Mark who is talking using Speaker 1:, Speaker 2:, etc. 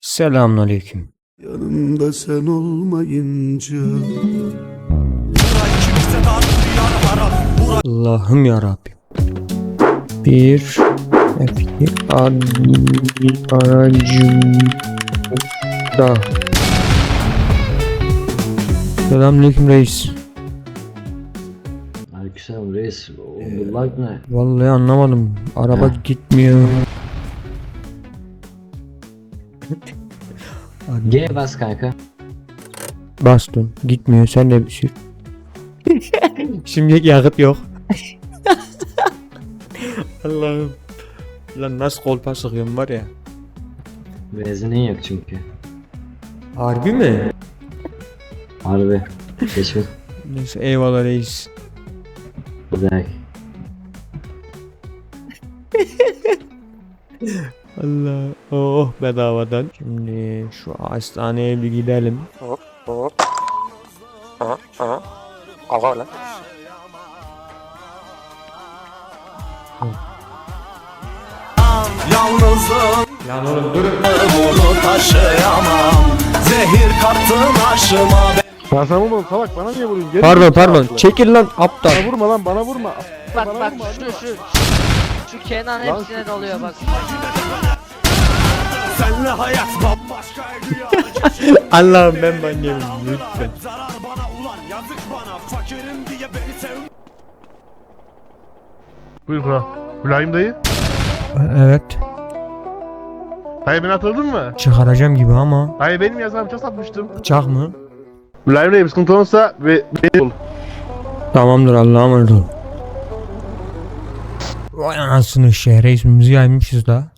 Speaker 1: Selamünaleyküm.
Speaker 2: Yanımda sen olmayınca
Speaker 1: Allah'ım ya Rabbim. Bir F2 aracımda. Selamünaleyküm reis.
Speaker 3: Aleykümselam reis. Bu lag ne?
Speaker 1: Vallahi anlamadım. Araba gitmiyor.
Speaker 3: G bas kanka.
Speaker 1: Bastım. Gitmiyor. Sen de bir sür. Şimdi yakıt yok. Allah'ım. Lan nasıl kolpa sıkıyorum var ya.
Speaker 3: Benzinin yok çünkü.
Speaker 1: Harbi mi?
Speaker 3: Harbi. Geçmiş.
Speaker 1: Neyse eyvallah reis.
Speaker 3: Güzel.
Speaker 1: Allah. Oh bedavadan. Şimdi şu hastaneye bir gidelim. Hop hop. Aha lan.
Speaker 2: yalnızım
Speaker 1: Lan oğlum durun.
Speaker 2: bunu taşıyamam. Zehir kattın aşıma.
Speaker 4: Ben sana vurmadım salak, bana niye vuruyorsun? Geri
Speaker 1: Pardon
Speaker 4: git
Speaker 1: pardon.
Speaker 4: salaklı.
Speaker 1: Çekil lan aptal.
Speaker 4: Bana vurma lan, bana vurma.
Speaker 5: Bak
Speaker 4: Bana
Speaker 5: bak
Speaker 4: vurma,
Speaker 5: şu Kenan
Speaker 4: Lan
Speaker 5: hepsine doluyor bak.
Speaker 2: Senle hayat bambaşkaydı ya.
Speaker 1: Allah'ım ben manyağım lütfen.
Speaker 2: Zarar bana ulan yazık bana. Fakirim diye beni sev.
Speaker 4: Buyur kral. Mülayim dayı.
Speaker 1: Evet.
Speaker 4: Dayı beni hatırladın mı?
Speaker 1: Çıkaracağım gibi ama.
Speaker 4: Dayı benim yazarım çok satmıştım.
Speaker 1: Bıçak mı?
Speaker 4: Mülayim dayı bir sıkıntı olursa ve beni bul.
Speaker 1: Tamamdır Allah'a emanet ol. Vay anasını şehre ismimizi yaymışız da.